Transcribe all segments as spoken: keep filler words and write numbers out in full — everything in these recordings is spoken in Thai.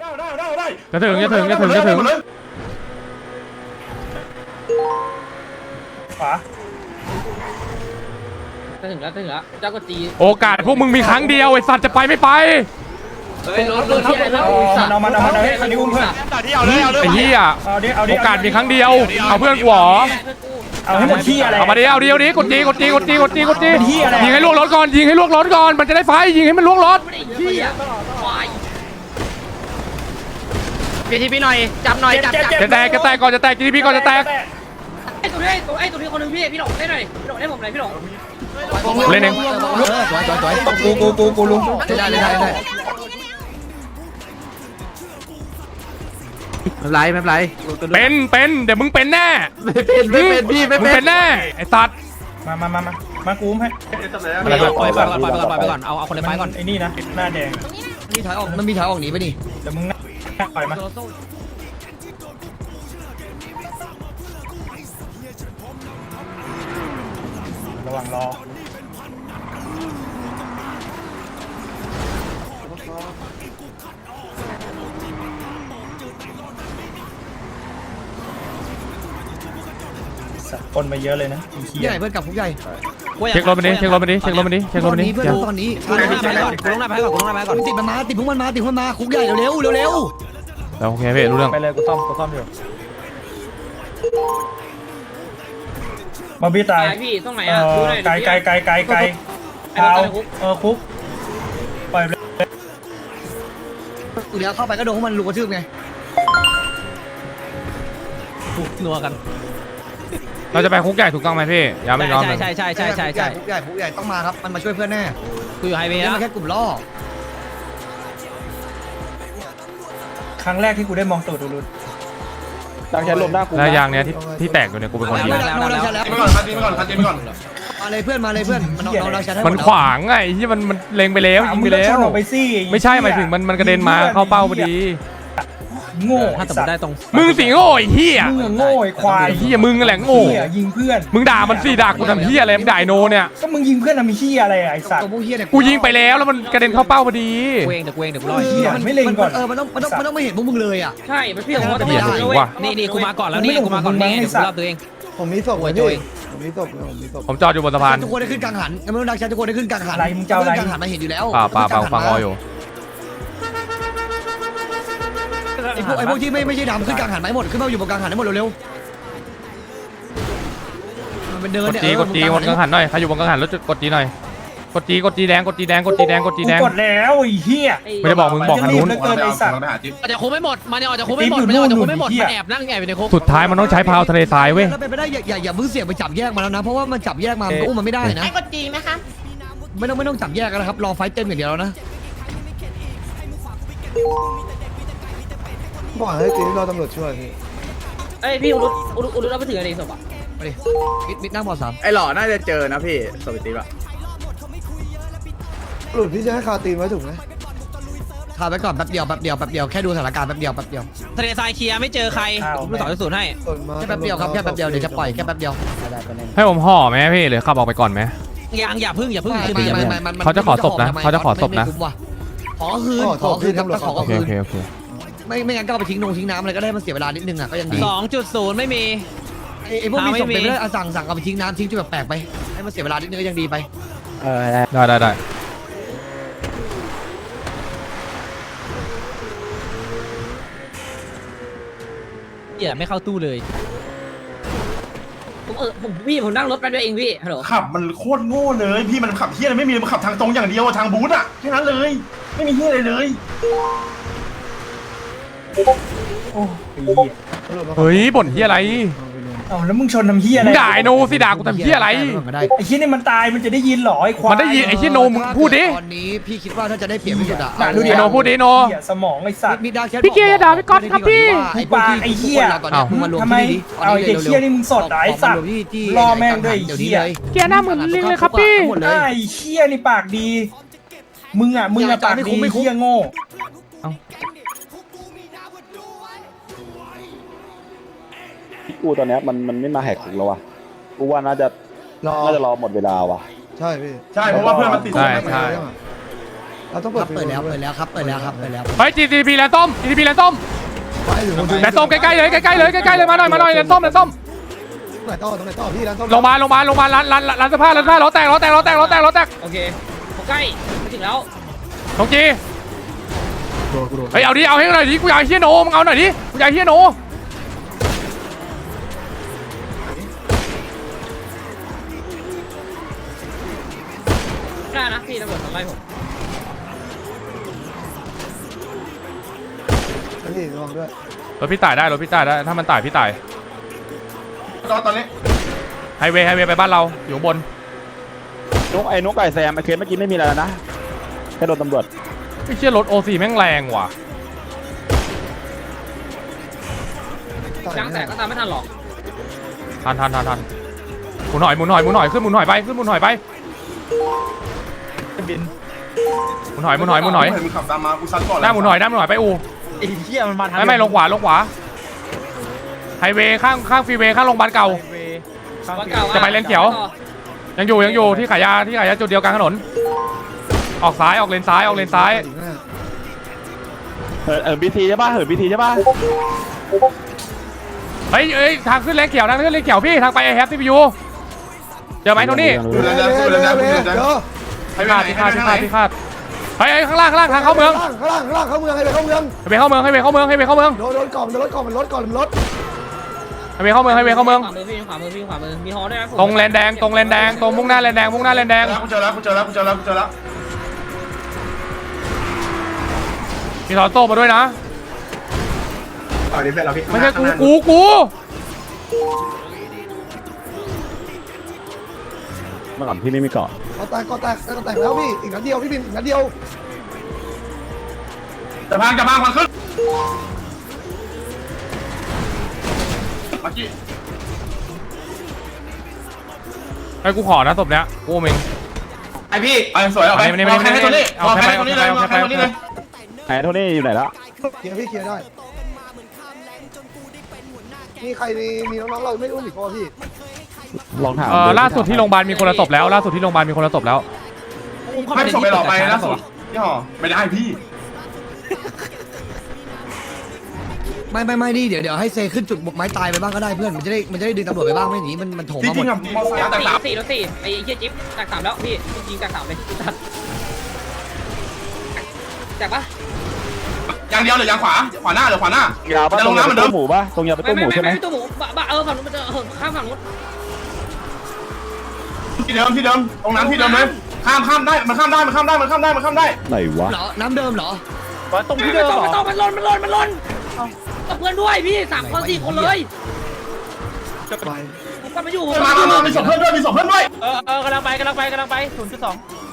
จะถึงจะถึงจะถึงจะถึงขวาจะถึงแล้วจะถึงแล้วเจ้าก็ตีโอกาสพวกมึงมีครั้งเดียวไอ้สัตว์จะไปไม่ไปเฮ้ยรถรถที่ไหนแล้วเอามันเอามันเอาให้คันนี้อุ้มเพื่อนไอ้เหี้ยโอกาสมีครั้งเดียวเอาเพื่อนกูหรอเอาให้หมดที่อะไรเอามาดิเอาดิเอาดิกดจีกดจีกดจีกดจีกดจียิงให้ล่วงรถก่อนยิงให้ล่วงรถก่อนมันจะได้ไฟยิงให้มันล่วงรถพี่ทีพี่หน่อยจับหน่อยจับจับจะแตกจะแตกก่อนจะแตกจีพีก่อนจะแตกไอ้ตัวนี้ตัวไอ้ตัวนี้คนนึงพี่พี่หลงได้หน่อยพี่หลงได้ผมหน่อยพี่หลงเล่นเองสวยสวยสวยกูกูกูกูลุงได้ได้ได้ได้ไม่เป็นไรไม่เป็นไรเป็นเป็นเดี๋ยวมึงเป็นแน่ไม่เป็นไม่เป็นพี่ไม่มึงเป็นแน่ไอ้สัตว์มามามามามากูอุ้มให้ปล่อยปล่อยไปก่อนปล่อยไปก่อนปล่อยไปก่อนเอาเอาคนในไม้ก่อนไอ้นี่นะหน้าแดงมีถอยออกมันมีถอยออกหนีไปดิเดี๋ยวมึงปล่อยมาระวังรอคนมาเยอะเลยนะใหญ่เพื่อนกับคุกใหญ่เช็ครถมันดิเช็ครถมันดิเช็ครถมันดิเช็ครถมันดิเพื่อนตอนนี้กูลงหน้าไปก่อนกูลงหน้าไปก่อนกูลงหน้าไปก่อนติดมันมาติดพวกมันมาติดพวกมันมาคุกใหญ่เร็วเร็วเร็วแล้วโอเคพี่รู้เรื่องไปเลยกูซ่อมกูซ่อมอยู่บอบบี้ตายพี่ตรงไหนอ่ะไกลไกลไกลไกลไกลเอาเออคุกปล่อยเลยกูเดี๋ยวเข้าไปก็โดนพวกมันลุกกระทืบไงนัวกันเราจะไปคุกใหญ่ถูกต้องไหมพี่ย้ำไม่น้องใช่ใช่ใช่ใช่ใช่ใช่คุกใหญ่คุกใหญ่ต้องมาครับมันมาช่วยเพื่อนแน่กูอยู่ไฮเวย์แล้วมันแค่กลุ่มล่อครั้งแรกที่กูได้มองตูดดูรุนดังแค่ลมหน้ากูแล้วยางเนี้ยที่ที่แตกอยู่เนี่ยกูเป็นคนยิงมาเลยเพื่อนมาเลยเพื่อนมันเอาเราใช้ได้มันขวางไงที่มันมันเล็งไปแล้วยิงไปแล้วไม่ใช่หมายถึงมันมันกระเด็นมาเข้าเป้าพอดีโง่ถ้าสมมติได้ตรงมึงสิโง่ไอ้เหี้ยมึงโง่ไอ้ควายเหี้ยมึงแหละโง่ยิงเพื่อนมึงด่ามันสิด่ากูทำเหี้ยอะไรมึงด่าโนเนี่ยก็มึงยิงเพื่อนทำเหี้ยอะไรไอ้สัตว์กูยิงไปแล้วแล้วมันกระเด็นเข้าเป้าพอดีกูเองเดี๋ยวกูเองเดี๋ยวกูรอเหี้ยไม่เล็งก่อนเออมันต้องมันต้องมันต้องไม่เห็นพวกมึงเลยอ่ะใช่มันพี่ผมว่าจะไม่ได้นี่นี่กูมาก่อนแล้วนี่กูมาก่อนนี่เดี๋ยวกูรอบตัวเองผมมีศพไว้พี่ผมมีศพผมมีศพผมจอดอยู่บนสะพานทุกคนได้ขึ้นกลางหันไม่ต้องดักชันทุกคนได้ขึ้นกลางหันอะไรมึงเจ้าอะไรกลางหันมาเห็นอยู่แล้วป่าป่าป่าฟังรออยู่ไอ้พวกไอ้พวกที่ไม่ไม่ใช่ดำขึ้นกลางหันไหมหมดขึ้นมาอยู่บนกลางหันให้หมดเร็วๆมันเดินเนี่ยกดจีกดจีบนกลางหันหน่อยใครอยู่บนกลางหันแล้วกดจีหน่อยกดจีกดจีแดงกดจีแดงกดจีแดงกดจีแดงกดแล้วไอ้เหี้ยไม่ได้บอกมึงบอกทางนู้นอาจจะคุมไม่หมดมันอาจจะคุมไม่หมดมันอาจจะคุมไม่หมดมันแอบนั่งแอบอยู่ในคุกสุดท้ายมันต้องใช้พาวทะเลทรายเว้ยแล้วไปได้อย่าอย่าอย่าเพิ่งเสี่ยงไปจับแยกมาแล้วนะเพราะว่ามันจับแยกมามันอุ้มมันไม่ได้นะไอ้กดจีไหมคะไม่ต้องไม่ต้องจับแยกกันนะครับรอไฟเต็มอย่างเดียวแล้วนะบอกให้จีรอตำรวจช่วยพี่เอ้ยพี่อุลุอุลุอุลุเราไปถึงอะไรศพอ่ะไปดิมิดมิดนั่งบอสามไอ้หล่อน่าจะเจอนะพี่สวิตตีป่ะหลุดพี่จะให้คาตีนไว้ถูกไหมคาไปก่อนแป๊บเดียวแป๊บเดียวแป๊บเดียวแค่ดูสถานการณ์แป๊บเดียวแป๊บเดียวทะเลทรายเคลียร์ไม่เจอใครผมต่อที่ศูนย์ให้แค่แป๊บเดียวครับแค่แป๊บเดียวเดี๋ยวจะปล่อยแค่แป๊บเดียวให้ผมห่อไหมพี่หรือขับออกไปก่อนไหมยังอย่าพึ่งอย่าพึ่งเขาจะขอศพนะเขาจะขอศพนะขอคืนขอคืนครับขอคืนโอเคโอเคไม่ไม่งั้นก็เอาไปทิ้งนงทิ้งน้ำอะไรก็ได้มันเสียเวลานิดนึงอ่ะก็ยังดีสองจุดศูนย์ไม่มีไอ้พวกมีศพเป็นไม่ได้สั่งสั่งเอาไปทิ้งน้ำทิ้งจุดแปลกไปให้มันเสียเวลานิดนึงก็ยังดีไปเออได้ได้ได้อย่าไม่เข้าตู้เลยผมเออผมพี่ผมนั่งรถไปด้วยเองพี่ฮัลโหลขับมันโคตรโง่เลยพี่มันขับเฮี้ยอะไรไม่มีมันขับทางตรงอย่างเดียวทางบูธอะแค่นั้นเลยไม่มีเฮี้ยอะไรเลยโอ้เฮ้ยบ่นเฮี้ยอะไรอ๋อแล้วมึงชนทำเฮี้ยอะไรด่าโนสิด่ากูทำเฮี้ยอะไรไอ้เฮี้ยนี่มันตายมันจะได้ยินหรอไอ้ควายมันได้ยินไอ้เฮี้ยโนมึงพูดดิตอนนี้พี่คิดว่าถ้าจะได้เปรียบที่สุดอะดูดิโนพูดดิโนสมองไอ้สัตว์พี่เกียร์ด่าพี่ก๊อตครับพี่ไอ้ปาไอ้เฮี้ยทำไมเอาไอ้เด็กเฮี้ยนี่มึงสดไอ้สัตว์รอแม่งด้วยไอ้เฮี้ยเกียร์หน้าเหมือนลิงเลยครับพี่ไอ้เฮี้ยนี่ปากดีมึงอ่ะมึงอ่ะปากดีเฮี้ยโง่กูตอนนี้มันมันไม่มาแหกคุกแล้ววะกูว่าน่าจะน่าจะรอหมดเวลาว่ะใช่พี่ใช่เพราะว่าเพื่อนมันติดใช่ใช่รเราต้องคเปิดรับเปิดแล้วเปิดแล้วครับเปิดแล้วครับเปิดแล้วเฮ้ย จี ที พี แลนด์ส้ม จี ที พี แลนด์ส้มไปอยู่บนแลนด์ส้มใกล้ๆเลยใกล้ๆเลยใกล้ๆเลยมาหน่อยมาหน่อยแลนด์ส้มแลนด์ส้มตรงไหนต่อตรงไหนต่อพี่ร้านต้มลงมาลงมาลงมาร้านร้านร้านเสื้อผ้าร้านเสื้อผ้าล้อแตกล้อแตกล้อแตกล้อแตกล้อแตกโอเคผมใกล้ไปถึงแล้วตรงจีเฮ้ยเอาดิเอาให้หน่อยดิกูอยากเฮียโนมึงเอาหน่อยดิกูอยากเฮียโนกล้านะพี่ตำรวจทำไล่ผมนี่ระวังด้วยรถพี่ตายได้รถพี่ตายได้ถ้ามันตายพี่ตายตอนตอนนี้ไฮเวย์ไฮเวย์ไปบ้านเราอยู่ข้างบนนกไอ้นกไก่แซมไอ้เคสเมื่อกี้ไม่มีอะไรแล้วนะแค่โดนตำรวจไอ้เชี่ยรถโอซีแม่งแรงว่ะยางแตกก็ตามไม่ทันหรอกทันทันทันทันหมุนหน่อยหมุนหน่อยหมุนหน่อยขึ้นหมุนหน่อยไปขึ้นหมุนหน่อยไปบินหมุนหน่อยหมุนหน่อยหมุนหน่อยเห็นมึงขับตามมากูซัดก่อนหน้าหมุนหน่อยหน้าหมุนหน่อยไปอูไอ้เหี้ยมันมาทางไม่ไม่ลงขวาลงขวาไฮเวย์ข้างข้างฟรีเวย์ข้างโรงพยาบาลเก่า จะไปเลนเขียว ยังอยู่ยังอยู่ที่ขายยาที่ขายยาจุดเดียวกลางถนนออกซ้ายออกเลนซ้ายออกเลนซ้ายเหินเหินบีทีใช่ป่ะเหินบีทีใช่ป่ะเฮ้ยเอ้ยทางขึ้นเลนเขียวทางขึ้นเลนเขียวพี่ทางไปไอแฮปซีพียูเจอไหมโทนี่ดูแลดูแลดูแลดูแลเดี๋ยวให้ที่ไปคาดไหนที่ให้คาดไปที่ไหนคาดที่คาดเฮ้ยข้างล่างข้างล่างทางเข้าเมืองข้างล่างข้างล่างเข้าเมืองให้ไปเข้าเมืองไฮเวย์เข้าเมืองไฮเวย์เข้าเมืองไฮเวย์เข้าเมืองโดนโดนก่อนโดนรถก่อนมันรถก่อนมันรถไฮเวย์เข้าเมืองไฮเวย์เข้าเมืองขวามือพี่ขวามือพี่ขวามือมีฮอด้วยนะตรงแลนแดงตรงแลนแดงตรงมุ่งหน้าแลนแดงมุ่งหน้าแลนแดงกูเจอแล้วกูเจอแล้วกูเจอแล้วกูเจอแล้วมีทอโต้มาด้วยนะต่อดีเพื่อนเราพี่ไม่ใช่กูกูกูเมื่อก่อนพี่ไม่มีเกาะก็แตกก็แตกก็แตกแล้วพี่อีกนัดเดียวพี่บินอีกนัดเดียวจะพังจะพังพังขึ้นเมื่อกี้ไอ้กูขอนะศพเนี้ยกูเองไอพี่ไอสวยเอาไปไม่ไม่ไม่เอาแค่ให้ตัวนี้เอาเอาแค่แค่ไปให้ตัวนี้เลยเอาเอาแค่แค่ไปตัวนี้เลยไอ้โทนี่อยู่ไหนแล้วเคลียร์พี่เคลียร์ได้มีใครมีมีน้องๆเราไม่อุ้มอีกคนพี่ลองถามเออล่าสุดที่โรงพยาบาลมีคนละศพแล้วล่าสุดที่โรงพยาบาลมีคนละศพแล้วไม่ส่งไปหรอไปล่าสุดพี่ห่อไม่ได้พี่ไม่ไม่ไม่นี่เดี๋ยวเดี๋ยวให้เซขึ้นจุดบุกไม้ตายไปบ้างก็ได้เพื่อนมันจะได้มันจะได้ดึงตำรวจไปบ้างไม่หนีมันมันโถมจมาหมริงดๆอ่ะมอไซค์แต่สี่สามสี่แล้วสี่ไอ้เหี้ยจิ๊บแตกสามแล้วพี่ยิงแตกสามเลยแตกปะยางเดียวเลยยางขวาขวาหน้าหรือขวาหน้ายาวป่ะจะตลรง งน้ำเหมือนเดิมตู้หมูป่ะตรงยาวไปไม่ตู้หไม่มูไม่ใช่ไหมไม่ตู้หมูบ้าเออฝั่งนู้นมันจะข้ามฝั่งนู้นที่เดิมที่เดิมตรงน้ำที่เดิมเลยข้ามข้ามได้มันข้ามได้มันข้ามได้มันข้ามได้มันข้ามได้ไหนวะเหรอน้ำเดิมเหรอตรงที่เดิมไม่ต้องไม่ต้องมันหล่นมันหล่นมันหล่นกับเพื่อนด้วยพี่สามคนสี่คนเลยไปผมกลับมาอยู่มามามามีศพเพื่อนด้วยมีศพเพื่อนด้วยเออเออกำลังไปกำลังไปกำลังไปศูนย์จุดสอง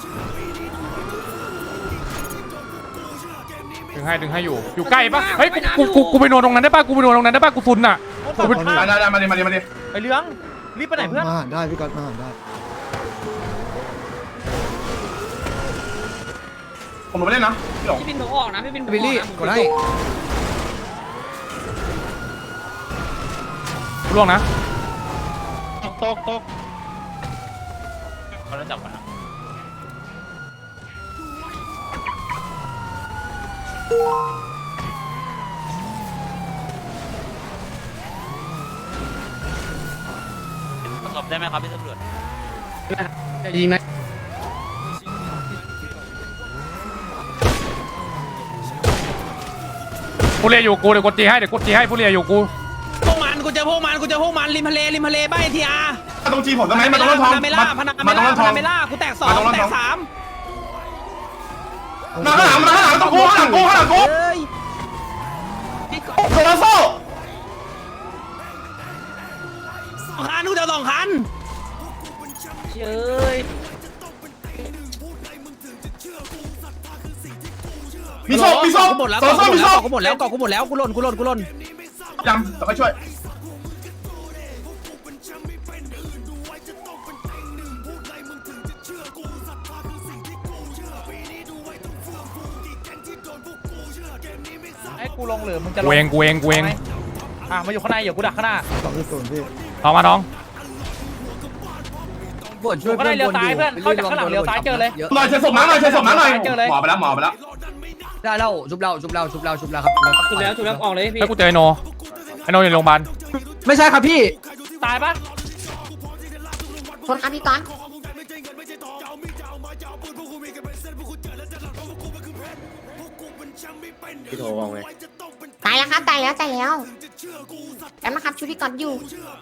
ดึงให้ดึงให้อยู่อยู่ใกล้ปะเฮ้ยกูกูกูไปนอนตรงนั้นได้ปะกูไปนอนตรงนั้นได้ปะกูซุนอ่ะได้ได้ได้มาดิมาดิมาดิไอ้เหลืองรีบไปไหนเพื่อนมาได้พี่ก๊อตมาได้ผมลงไปเล่นนะพี่หลงพี่บินหนูออกนะพี่บินบิลลี่กดได้กูล่วงนะตกตกตกเขาจะจับกันประสบได้ไหมครับพี่ตำรวจยิงนะผู้เรียอยู่กูเดี๋ยวกดจีให้เดี๋ยวกดจีให้ผู้เรียอยู่กูพวกมันกูเจอพวกมันกูเจอพวกมันริมทะเลริมทะเลบ้านทีอาร์ตรงจีผมได้ไหมมาตรงร้านทองพนาเมล่าพนามาเมตรงล่าร้านพทองนาเมล่ากูแตกสองแตกสามมาข้างหลังมาข้างหลังต้องกูข้างหลังกูข้างหลังกูเฮ้ยโซลาโซ่สองคันกูเจอสองคันเฮ้ยมีโซ่มีโซ่กูหมดแล้วโซลาโซ่มีโซ่กูหมดแล้วกูหมดแล้วกูหล่นกูหล่นกูหล่นยังแต่ค่อยช่วยให้กูลงหรือมึงจะลกูงเองกูเองกูเองอ่ะมาอยู่ข้างในอย่ากูดักข้างหน้าสองที่ศูนย์พี่เอามาน้องปวดช่วยก็ได้เลี้ยวซ้ายเพื่อนเข้าจากข้างหลังเลี้ยวซ้ายเจอเลยหน่อยเชิญศพน้าหน่อยเชิญศพน้าหน่อยหมอไปแล้วหมอไปแล้วได้แล้วชุบเราชุบเราชุบเราชุบเราครับถูกแล้วถูกแล้วออกเลยพี่ให้กูเจอไอโนไอโนอยู่โรงพยาบาลไม่ใช่ครับพี่ตายปะคนครับพี่ก้อนพี่โทรว่าไงตายแล้วครับตายแล้วตายแล้วแล้วมาครับชูพี่ก้อนอยู่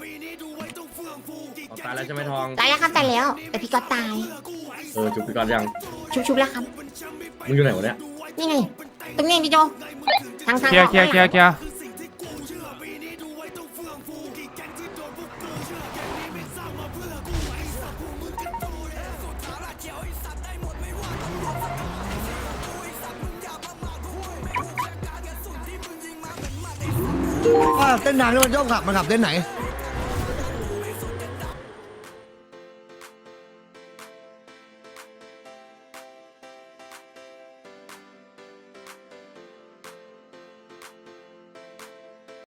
ตายแล้วใช่ไหมทองตายแล้วครับตายแล้วแต่พี่ก้อนตายเออจุบไปก่อนยังชุบชุบแล้วครับมึงอยู่ไหนวะเนี่ยนี่ไงตรงนี้พี่โจทางทางเคลียร์เคลียร์เคลียร์เคลียร์ว่าเส้นทางที่มันชอบขับมันขับเส้นไหน